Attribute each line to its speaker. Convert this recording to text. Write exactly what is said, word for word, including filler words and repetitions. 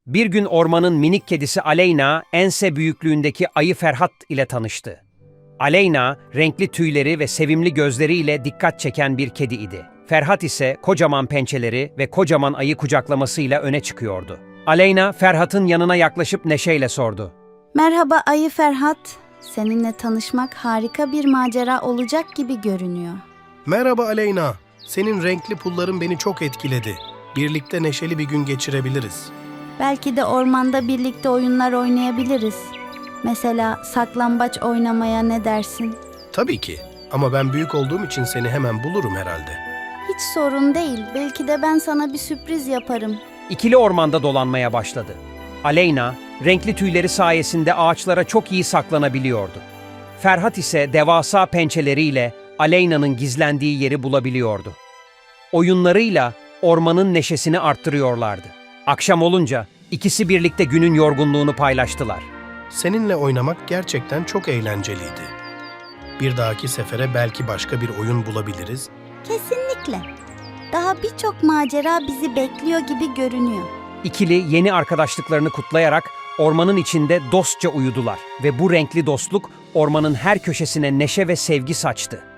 Speaker 1: Bir gün ormanın minik kedisi Aleyna, ense büyüklüğündeki ayı Ferhat ile tanıştı. Aleyna, renkli tüyleri ve sevimli gözleriyle dikkat çeken bir kedi idi. Ferhat ise kocaman pençeleri ve kocaman ayı kucaklamasıyla öne çıkıyordu. Aleyna, Ferhat'ın yanına yaklaşıp neşeyle sordu.
Speaker 2: Merhaba Ayı Ferhat. Seninle tanışmak harika bir macera olacak gibi görünüyor.
Speaker 3: Merhaba Aleyna. Senin renkli pulların beni çok etkiledi. Birlikte neşeli bir gün geçirebiliriz.
Speaker 2: Belki de ormanda birlikte oyunlar oynayabiliriz. Mesela saklambaç oynamaya ne dersin?
Speaker 3: Tabii ki. Ama ben büyük olduğum için seni hemen bulurum herhalde.
Speaker 2: Hiç sorun değil. Belki de ben sana bir sürpriz yaparım.
Speaker 1: İkili ormanda dolanmaya başladı. Aleyna, renkli tüyleri sayesinde ağaçlara çok iyi saklanabiliyordu. Ferhat ise devasa pençeleriyle Aleyna'nın gizlendiği yeri bulabiliyordu. Oyunlarıyla ormanın neşesini arttırıyorlardı. Akşam olunca ikisi birlikte günün yorgunluğunu paylaştılar.
Speaker 3: Seninle oynamak gerçekten çok eğlenceliydi. Bir dahaki sefere belki başka bir oyun bulabiliriz.
Speaker 2: Kesinlikle. Daha birçok macera bizi bekliyor gibi görünüyor.
Speaker 1: İkili yeni arkadaşlıklarını kutlayarak ormanın içinde dostça uyudular ve bu renkli dostluk ormanın her köşesine neşe ve sevgi saçtı.